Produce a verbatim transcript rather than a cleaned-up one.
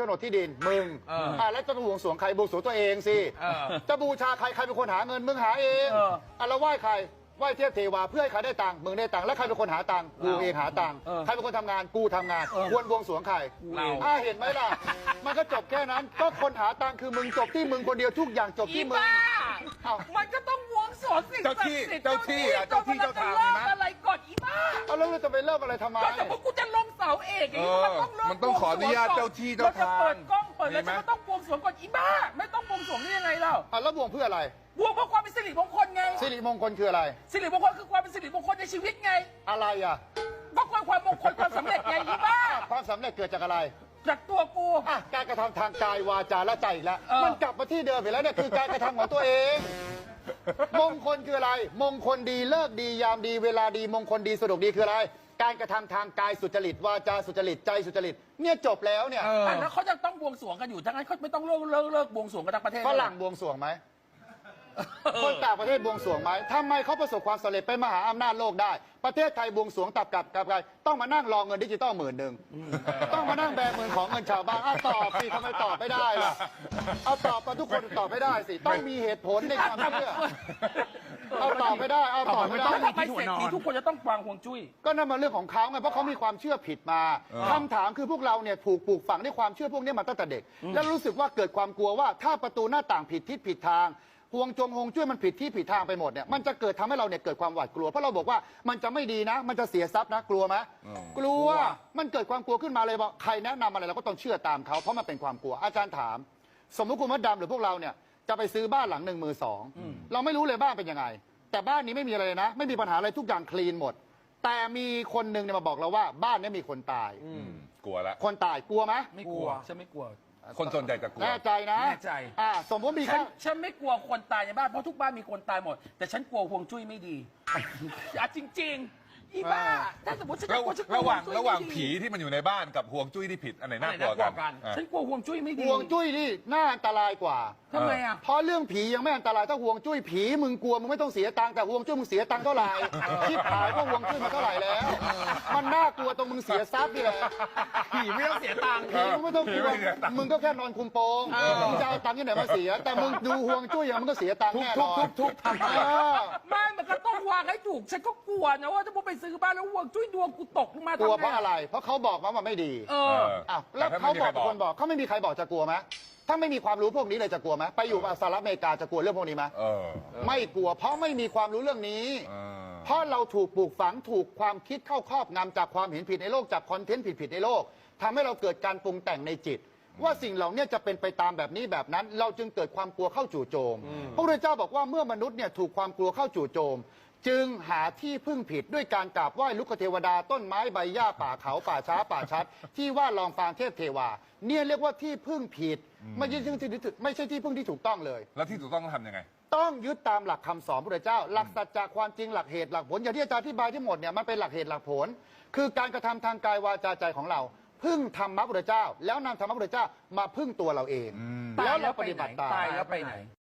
นดที่ดินมึงอ่าแล้วจะบวงสรวงใครบวงสรวงตัวเองสิจะบูชาใครใครเป็นคนหาเงินมึงหาเองอ่ะแล้วไหว้ใครไหว้เทพเทวาเพื่อให้ใครได้ตังค์มึงได้ตังค์แล้วใครเป็นคนหาตังค์กูเองหาตังค์ใครเป็นคนทำงานกูทำงานควรบวงสรวงใครอ่าเห็นไหมล่ะมันก็จบแค่นั้นก็คนหาตังค์คือมึงจบที่มึงคนเดียวทุกอย่างจบที่มึงมันก็ต้องบวงสรวงสิ่งศักดิ์สิทธิ์เจ้าที่เจ้าที่เจ้าทางมีไหมอะไรก่อนอีบ้าเอาแล้วจะไปเริ่มอะไรทำไมก็แต่พวกกูจะลงเสาเอกอย่างนี้มันต้องเริ่มมันต้องขออนุญาตเจ้าที่เจ้าทางเปิดกล้องเปิดแล้วฉันก็ต้องบวงสรวงก่อนอีบ้าไม่ต้องบวงสรวงได้ยังไงเล่าอ่ะแล้วบวงเพื่ออะไรบวงเพื่อความเป็นสิริมงคลไงสิริมงคลคืออะไรสิริมงคลคือความเป็นสิริมงคลในชีวิตไงอะไรอ่ะก็ความมงคลความสำเร็จไงอีบ้าความสำเร็จเกิดจากอะไรจากตัวกูอ่ะการกระทำทางกายวาจาและใจอีกแล้วมันกลับมาที่เดิมอีกแล้วเนี่ยคือการกระทำของตัวเองมงคลคืออะไรมงคลดีเลิกดียามดีเวลาดีมงคลดีสะดวกดีคืออะไรการกระทำทางกายสุจริตวาจาสุจริตใจสุจริตเนี่ยจบแล้วเนี่ยแล้วเขาจะต้องบวงสรวงกันอยู่ทั้งนั้นเขาไม่ต้องเลิกเลิกเลิกบวงสรวงกันทั้งประเทศฝรั่งบวงสรวงไหมคนต่างประเทศบวงสรวงไหมทำไมเขาประสบความสำเร็จเป็นมหาอำนาจโลกได้ประเทศไทยบวงสรวงตับกับกับใครต้องมานั่งรอเงินดิจิตอลหมื่นหนึ่งต้องมานั่งแบมือของเงินชาวบ้านเอาตอบสิทำไมตอบไม่ได้ล่ะเอาตอบมาทุกคนตอบไม่ได้สิต้องมีเหตุผลในความเชื่อเอาตอบไม่ได้เอาตอบไม่ได้ทำไมเศรษฐีทุกคนจะต้องวางห่วงจุ้ยก็นั่นมันเรื่องของเขาไงเพราะเขามีความเชื่อผิดมาคำถามคือพวกเราเนี่ยถูกปลูกฝังด้วยความเชื่อพวกนี้มาตั้งแต่เด็กแล้วรู้สึกว่าเกิดความกลัวว่าถ้าประตูหน้าต่างผิดทิศผิดทางห่วงจงหงจุ้ยมันผิดที่ผิดทางไปหมดเนี่ยมันจะเกิดทำให้เราเนี่ยเกิดความหวาดกลัวเพราะเราบอกว่ามันจะไม่ดีนะมันจะเสียทรัพย์นะกลัวไหมกลัวมันเกิดความกลัวขึ้นมาเลยว่าใครแนะนำอะไรเราก็ต้องเชื่อตามเขาเพราะมันเป็นความกลัวอาจารย์ถามสมมติคุณมดดำหรือพวกเราเนี่ยจะไปซื้อบ้านหลังหนึ่งมือสองเราไม่รู้เลยบ้านเป็นยังไงแต่บ้านนี้ไม่มีอะไรเลยนะไม่มีปัญหาอะไรทุกอย่างคลีนหมดแต่มีคนหนึ่งเนี่ยมาบอกเราว่าบ้านนี้มีคนตายกลัวละคนตายกลัวไหมไม่กลัวฉันไม่กลัวคนส่วนใหญ่จะกลัวแน่ใจนะแน่ใจอ่าสมมติมีฉันฉันไม่กลัวคนตายในบ้านเพราะทุกบ้านมีคนตายหมดแต่ฉันกลัวห่วงจุ้ยไม่ดีอ่ะจริงๆอีบ้าถ้าสมมติฉันกลัวฉันกลัวระหว่างระหว่างผีที่มันอยู่ในบ้านกับห่วงจุ้ยที่ผิดอันไหนน่ากลัวกันฉันกลัวห่วงจุ้ยไม่ดีห่วงจุ้ยนี่น่าอันตรายกว่าทำไมอ่ะเพราะเรื่องผียังไม่อันตรายถ้าห่วงจุ้ยผีมึงกลัวมึงไม่ต้องเสียตังค์แต่ห่วงจุ้ยมึงเสียตังค์เท่าไหร่คิดขายว่าห่วงจุ้ยมาเท่าไหร่แล้วมันน่ากลัวตรงมึงเสียทรัพย์นี่แหละผีไม่ต้องเสียตังค์ผีมึงไม่ต้องกลัวมึงก็แค่นอนคุมโปงมึงจะเอาตังค์ที่ไหนมาเสียแต่มึงดูห่วงจุ้ยอย่างมึงก็เสียตังค์แน่นอนทุกๆทำไมไม่มันก็ต้องวางให้ถูกฉันก็กลัวนะว่าถ้ามึงไปซื้อบ้านแล้วห่วงจุ้ยดวงกูตกลงมากลัวเพราะอะไรเพราะเขาบอกมาว่าไม่ดีเอออ้าวแล้วเขาบอกคนบอกเขาไม่มีใครบอกจะกลัวไหมถ้าไม่มีความรู้พวกนี้เลยจะกลัวไหมไปอยู่สหรัฐอเมริกาจะกลัวเรื่องพวกนี้ไหมไม่กลัวเพราะไม่มีความรู้เรื่องนี้เพราะเราถูกปลูกฝังถูกความคิดเข้าครอบงำจากความเห็นผิดในโลกจากคอนเทนต์ผิดๆในโลกทำให้เราเกิดการปรุงแต่งในจิตว่าสิ่งเหล่านี้จะเป็นไปตามแบบนี้แบบนั้นเราจึงเกิดความกลัวเข้าจู่โจมพระพุทธเจ้าบอกว่าเมื่อมนุษย์เนี่ยถูกความกลัวเข้าจู่โจมจึงหาที่พึ่งผิดด้วยการกราบไหว้ลุกเทวดาต้นไม้ใบหญ้าป่าเขาป่าช้าป่าชัดที่ว่าลองฟางเทพเทวาเนี่ยเรียกว่าที่พึ่งผิดไม่ใช่ที่ที่ไม่ใช่ที่พึ่งที่ถูกต้องเลยแล้วที่ถูกต้องต้องทำยังไงต้องยึดตามหลักคำสอนพระเจ้าหลักสัจจะความจริงหลักเหตุหลักผลอย่างที่อาจารย์อธิบายที่หมดเนี่ยมันเป็นหลักเหตุหลักผลคือการกระทำทางกายวาจาใจของเราพึ่งธรรมะพระเจ้าแล้วนำธรรมะพระเจ้ามาพึ่งตัวเราเองแล้วเราปฏิบัติตามตายแล้วไปไหน